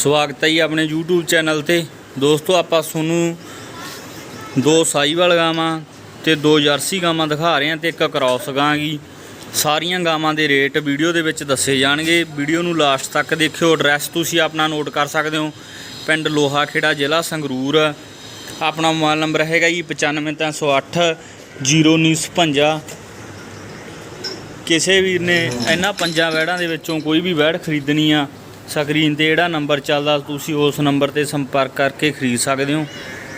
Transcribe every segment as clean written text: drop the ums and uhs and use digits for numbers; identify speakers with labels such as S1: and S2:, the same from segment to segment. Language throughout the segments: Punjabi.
S1: ਸਵਾਗਤ ਹੈ ਜੀ ਆਪਣੇ YouTube ਚੈਨਲ ਤੇ। ਦੋਸਤੋ ਆਪਾਂ ਤੁਹਾਨੂੰ ਦੋ ਸਾਹੀਵਾਲ ਗਾਵਾਂ ਤੇ ਦੋ ਜਰਸੀ ਗਾਵਾਂ ਦਿਖਾ ਰਹੇ ਹਾਂ ਤੇ ਇੱਕ ਕ੍ਰਾਸ ਗਾਂ ਗੀ। ਸਾਰੀਆਂ ਗਾਵਾਂ ਦੇ ਰੇਟ ਵੀਡੀਓ ਦੇ ਵਿੱਚ ਦੱਸੇ ਜਾਣਗੇ। ਵੀਡੀਓ ਨੂੰ ਲਾਸਟ ਤੱਕ ਦੇਖਿਓ। ਐਡਰੈਸ ਤੁਸੀਂ ਆਪਣਾ ਨੋਟ ਕਰ ਸਕਦੇ ਹੋ, ਪਿੰਡ ਲੋਹਾ ਖੇੜਾ, ਜ਼ਿਲ੍ਹਾ ਸੰਗਰੂਰ। ਆਪਣਾ ਮੋਬਾਈਲ ਨੰਬਰ ਹੈਗਾ ਜੀ 95 308 0956। ਕਿਸੇ ਵੀਰ ਨੇ ਇਹਨਾਂ ਪੰਜਾਂ ਵੈੜਾਂ ਦੇ ਵਿੱਚੋਂ ਕੋਈ ਵੀ ਵੈੜ ਖਰੀਦਣੀ ਆ, ਸਕਰੀਨ ਤੇ ਜਿਹੜਾ ਨੰਬਰ ਚੱਲਦਾ ਤੁਸੀਂ ਉਸ ਨੰਬਰ ਤੇ ਸੰਪਰਕ ਕਰਕੇ ਖਰੀਦ ਸਕਦੇ ਹੋ।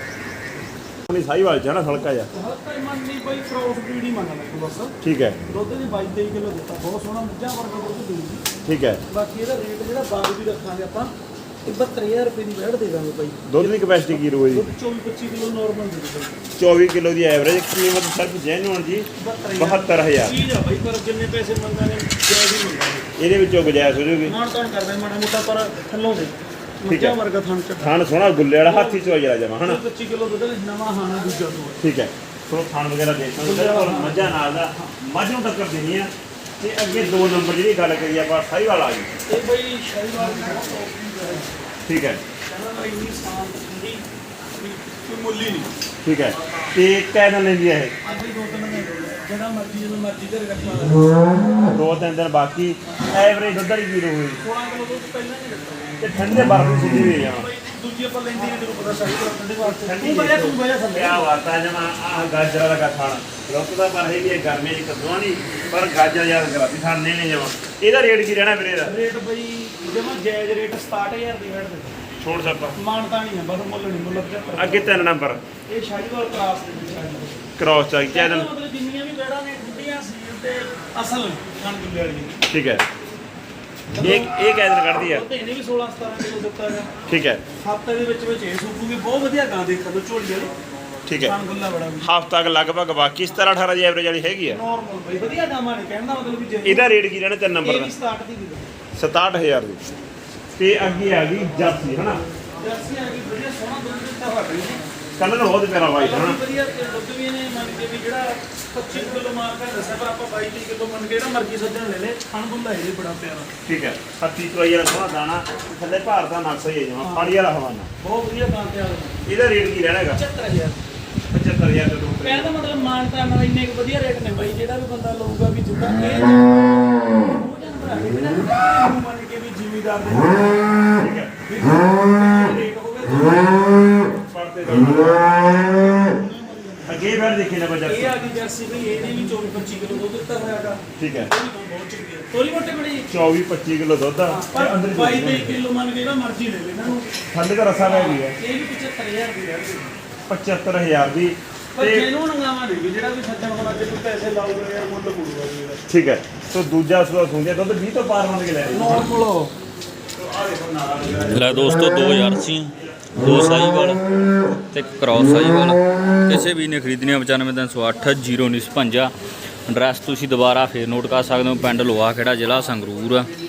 S2: ਸਾਹੀਵਾਲ ਚ ਨਾ ਹਲਕਾ ਜਿਹਾ
S3: ਮੰਨੀ ਬਈ ਕ੍ਰੋਸ ਬਰੀਡ ਹੀ ਮੰਗਣਾ ਇੱਕ ਬਸ।
S2: ਠੀਕ ਹੈ।
S3: ਦੁੱਧ ਦੀ 22-23 ਕਿਲੋ ਦਿੱਤਾ, ਬਹੁਤ ਸੋਹਣਾ ਮੱਝਾਂ ਵਰਗਾ ਦੁੱਧ ਦੇਊਗੀ।
S2: ਠੀਕ ਹੈ।
S3: ਬਾਕੀ ਇਹਦਾ ਰੇਟ ਜਿਹੜਾ ਬਾਗ ਵੀ ਰੱਖਾਂਗੇ ਆਪਾਂ 72000 ਰੁਪਏ ਦੀ ਵੈੜ ਦੇ ਦਾਂਗੇ ਬਾਈ।
S2: ਦੁੱਧ ਦੀ ਕਪੈਸਿਟੀ ਕੀ ਰਹੂਗੀ?
S3: ਦੁੱਧ 24-25 ਕਿਲੋ ਨਾਰਮਲ ਦੇ ਦਾਂਗੇ।
S2: 24 ਕਿਲੋ ਦੀ ਐਵਰੇਜ ਕੀਮਤ ਸਿਰਫ ਜੈਨੂਅਨ ਜੀ 72000
S3: ਚੀਜ਼ ਆ ਬਾਈ, ਪਰ ਜਿੰਨੇ ਪੈਸੇ ਮੰਗਾਂਗੇ ਜਾਇਜ਼ ਹੀ ਮੰਗਾਂਗੇ।
S2: ਇਹਦੇ ਵਿੱਚੋਂ ਗੁਜਾਇਸ਼ ਹੋ ਜੂਗੀ।
S3: ਮਾਣ ਤਾਣ ਕਰਦੇ ਮਾੜਾ ਮੋਟਾ, ਪਰ ਥੱਲੋਂ ਦੇ
S2: ਠੀਕ ਹੈ।
S3: ਮੱਝਾਂ ਵਰਗਾ ਥਣ ਚੱਟਾ।
S2: ਥਣ ਸੋਹਣਾ ਗੁੱਲੇ ਵਾਲਾ ਹਾਥੀ ਚੋਂ ਜਰਾ ਜਮਾ ਹਨਾ।
S3: 25 ਕਿਲੋ ਦੁੱਧ ਨਵਾਂ ਹਾਣਾ ਦੂਜਾ ਤੋਂ।
S2: ਠੀਕ ਹੈ। ਸੋ ਥਣ ਵਗੈਰਾ ਦੇਖ ਸਕਦੇ ਹੋ। ਮੱਝਾਂ ਨਾਲ ਦਾ ਮੱਝ ਨੂੰ ਟੱਕਰ ਦੇਣੀ ਆ। ਤੇ ਅੱਗੇ 2 ਨੰਬਰ ਜਿਹੜੀ ਗੱਲ ਕਰੀ ਆਪਾਂ ਸਾਹੀਵਾਲ ਆ ਗਈ।
S3: ਇਹ ਬਾਈ ਸ਼ਾਹੀਵਾਲ ਦੀ ਬਹੁਤ ਟੌਪ ਦੀ ਹੈ।
S2: ਠੀਕ ਹੈ।
S3: ਕਹਿੰਦਾ ਇੰਨੀ ਸ਼ਾਂਤ ਠੰਡੀ ਕੋਈ ਮੁੱਲ ਹੀ ਨਹੀਂ।
S2: ਠੀਕ ਹੈ। ਤੇ ਕਿੰਨਾ ਲੈਂਦੀ ਹੈ ਇਹ?
S3: ਅੱਜ ਵੀ 2-3 ਮਹੀਨੇ ਜਿਹੜਾ ਮਰਜ਼ੀ ਜਦੋਂ ਮਰਜ਼ੀ ਘਰੇ ਰੱਖਣਾ।
S2: 2-3 ਦਿਨ ਬਾਕੀ ਐਵਰੇਜ ਦੁੱਧ ਵਾਲੀ ਕੀ ਰਹੂਗੀ?
S3: 16 ਕਿਲੋ ਦੁੱਧ ਪਹਿਲਾਂ ਨਹੀਂ ਰੱਖਣਾ।
S2: ਤੇ ਠੰਡੇ ਬਰਫ ਦੀ ਸਿੱਧੀ ਵੀ ਜਾਵਾਂ।
S3: ਦੂਜੀ ਆਪਾਂ ਲੈਂਦੀ ਨਹੀਂ, ਤੈਨੂੰ ਪਤਾ ਸਾਰੀ ਤਰ੍ਹਾਂ ਠੰਡੇ ਵਾਸਤੇ।
S2: ਠੰਡੀ
S3: ਤੂੰ ਬਜਾ ਥੱਲੇ।
S2: ਕਿਆ ਬਾਤ ਹੈ ਜਮਾ। ਆਹ ਗਾਜਰਾਂ ਦਾ ਖਾਣਾ ਰੁਕਦਾ ਪਰ ਇਹ ਵੀ ਇਹ ਗਰਮੀਆਂ 'ਚ ਕਦੋਂ ਨਹੀਂ, ਪਰ ਗਾਜਰ ਯਾਦ ਕਰਾਤੀ ਖਾਣੇ ਨੇ ਜਮਾ। ਇਹਦਾ ਰੇਟ ਕੀ ਰਹਿਣਾ ਵੀਰੇ? ਇਹਦਾ
S3: ਰੇਟ ਬਈ ਜਮਾ ਜਾਇਜ਼ ਰੇਟ 67000 ਦੀ ਵੈਟ ਦੇ
S2: ਛੋੜ ਸੱਪਾ
S3: ਮਾਨਤਾ ਨਹੀਂ ਹੈ, ਬਸ ਮੁੱਲ ਨਹੀਂ, ਮੁੱਲ 75।
S2: ਅੱਗੇ 3 ਨੰਬਰ
S3: ਇਹ ਸ਼ਾਹੀਵਾਲ ਕ੍ਰਾਸ ਦੇ ਵਿੱਚ ਸ਼ਾਹੀਵਾਲ
S2: ਕ੍ਰਾਸ ਚਾਹੀ ਚੈਨਲ।
S3: ਮਤਲਬ ਜਿੰਨੀਆਂ ਵੀ ਵੈੜਾਂ ਨੇ ਠੰਡੀਆਂ ਸੀ ਤੇ ਅਸਲ ਖਾਣ ਗੁੱਲੇ ਵਾਲੀ।
S2: ਠੀਕ ਹੈ। ਇਹ ਕਿਆ ਦਿਨ ਕੱਢਦੀ ਆ?
S3: ਤੇ ਇਹਨੇ ਵੀ 16-17 ਕਿਲੋ ਦਿੱਤਾ ਹੈ।
S2: ਠੀਕ ਹੈ।
S3: ਹਫ਼ਤੇ ਦੇ ਵਿੱਚ ਇਹ ਸੂਪੂਗੀ। ਬਹੁਤ ਵਧੀਆ ਗਾਂ ਦੇਖਣ ਨੂੰ, ਝੋਲੀ ਵਾਲੀ।
S2: ਠੀਕ ਹੈ।
S3: ਖਾਣ ਗੁੱਲਾ ਬੜਾ ਵੀ
S2: ਹਫ਼ਤਾ ਤੱਕ ਲਗਭਗ ਬਾਕੀ 17-18 ਦੀ ਐਵਰੇਜ ਵਾਲੀ ਹੈਗੀ ਆ।
S3: ਨਾਰਮਲ ਬਈ ਵਧੀਆ ਗਾਵਾਂ ਨੇ, ਕਹਿਣ ਦਾ ਮਤਲਬ ਵੀ ਜੇ
S2: ਇਹਦਾ ਰੇਟ ਕੀ ਰਹਿਣਾ 3 ਨੰਬਰ
S3: ਇਹ
S2: ਦਾ?
S3: ਵੀ 67 ਦੀ ਕਿਲੋ
S2: 67000 ਦੀ। ਤੇ ਅੱਗੇ ਆ ਗਈ ਜਰਸੀ ਹਨਾ।
S3: ਜਰਸੀ ਆ ਗਈ, ਵਧੀਆ ਸੋਹਣਾ ਦੁੱਧ ਦਿੱਤਾ ਹੋਇਆ ਬਈ ਨੇ।
S2: ਕਲਰ ਬਹੁਤ ਪਿਆਰਾ ਵਾਈਟ
S3: ਕਲਰ
S2: ਹਨਾ।
S3: ਵੀ ਵਧੀਆ ਤੇ ਦੁੱਧ ਵੀ ਇਹਨੇ ਮੰਨ ਕੇ ਵੀ ਜਿਹੜਾ 25 ਕਿਲੋ ਮਾਰ ਕੇ ਦੱਸਿਆ, ਪਰ ਆਪਾਂ 22 ਕਿਲੋ ਮੰਨ ਕੇ ਜਿਹੜਾ ਮਰਜ਼ੀ ਸੱਜਣ ਲੈ ਲੈ। ਖਾਣ ਗੁੱਲਾ ਇਹ ਬੜਾ ਪਿਆਰਾ।
S2: ਠੀਕ ਹੈ। ਹੱਥੀ ਚਵਾਈ ਵਾਲਾ ਸੋਹਣਾ ਦਾਣਾ, ਥੱਲੇ ਭਾਰ ਦਾ ਨਕਸ਼ਾ ਹੀ ਹੈ ਜਮਾ ਫਾੜੀ ਵਾਲਾ ਹਵਾਨਾ।
S3: ਬਹੁਤ ਵਧੀਆ ਗਾਂ ਤਿਆਰ ਹੋਈ।
S2: ਇਹਦਾ ਰੇਟ ਕੀ ਰਹਿਣਾ ਹੈਗਾ?
S3: 75000
S2: 75000 ਦਾ ਦੋ।
S3: ਕਹਿਣ ਦਾ ਮਤਲਬ ਮਾਨਤਾ ਨਾਲ ਇੰਨੇ ਕੁ ਵਧੀਆ ਰੇਟ ਨੇ ਬਾਈ। ਜਿਹੜਾ ਵੀ ਬੰਦਾ ਲਊਗਾ ਵੀ ਜਿੱਦਾਂ ਇਹ ਉਹ ਜਨ ਬਣਾ ਕੇ ਬਿਨਾਂ ਮੰਨ ਕੇ ਵੀ ਜ਼ਿਮੀਦਾਰ ਦੇ
S2: ਠੀਕ ਹੈ।
S3: ਰੇਟ ਹੋਵੇ।
S2: ਪੜਦੇ ਅੱਗੇ ਫਿਰ ਦੇਖੇ ਨਾ ਬਜਾ।
S3: ਇਹ ਆ ਗਈ ਜਰਸੀ ਬਈ, ਇਹਨੇ ਵੀ 24-25 ਕਿਲੋ ਦੁੱਧ ਦਿੱਤਾ ਹੋਇਆਗਾ।
S2: ਠੀਕ ਹੈ।
S3: ਬਹੁਤ ਚੰਗੀ ਹੈ। ਤੋਰੀ ਮੋਟੇ ਬੜੀ
S2: 24-25 ਕਿਲੋ ਦੁੱਧ ਆ।
S3: ਪਰ
S2: ਤੇ ਅੰਦਰ
S3: 22-23 ਕਿਲੋ ਮੰਨ ਕੇ ਜਿਹੜਾ ਮਰਜ਼ੀ ਲੈ ਲੈ ਇਹਨਾਂ ਨੂੰ।
S2: ਥੱਲੇ ਦਾ ਰਸਾ ਰਹਿ ਗਈ ਹੈ
S3: ਇਹ ਵੀ 75000 ਦੀ ਰਹਿ ਗਈ।
S2: 75000 ਦੀ।
S3: ਪਰ
S2: ਤੇ
S3: ਜਿਹਨੂੰ ਨੰਗਾਵਾ ਦੇ ਜਿਹੜਾ ਵੀ ਸੱਜਣ ਹੁਣ ਅੱਜ ਕੋਈ ਪੈਸੇ ਲਾਊਗਾ ਯਾਰ, ਮੁੱਲ ਪੂਰੂਗਾ ਜੀ ਇਹਦਾ।
S2: ਠੀਕ ਹੈ। ਸੋ ਦੂਜਾ ਸੂਆ ਸੁਣਦੇ ਦੁੱਧ 20 ਤੋਂ ਪਾਰ ਮੰਨ ਕੇ ਲੈ ਰਹੇ
S3: ਨਾਰਮਲ
S1: ਲੈ ਦੋਸਤੋ, ਦੋ ਜਰਸੀਆਂ, ਦੋ ਸਾਹੀਵਾਲ ਤੇ ਇੱਕ ਕ੍ਰਾਸ ਸਾਹੀਵਾਲ। ਕਿਸੇ ਵੀ ਨੇ ਖਰੀਦਣੀ 95 308 0956। ਐਡਰੈਸ ਤੁਸੀਂ ਦੁਬਾਰਾ ਫੇਰ ਨੋਟ ਕਰ ਸਕਦੇ ਹੋ, ਪਿੰਡ ਲੋਹਾ ਖੇੜਾ, ਜ਼ਿਲ੍ਹਾ ਸੰਗਰੂਰ।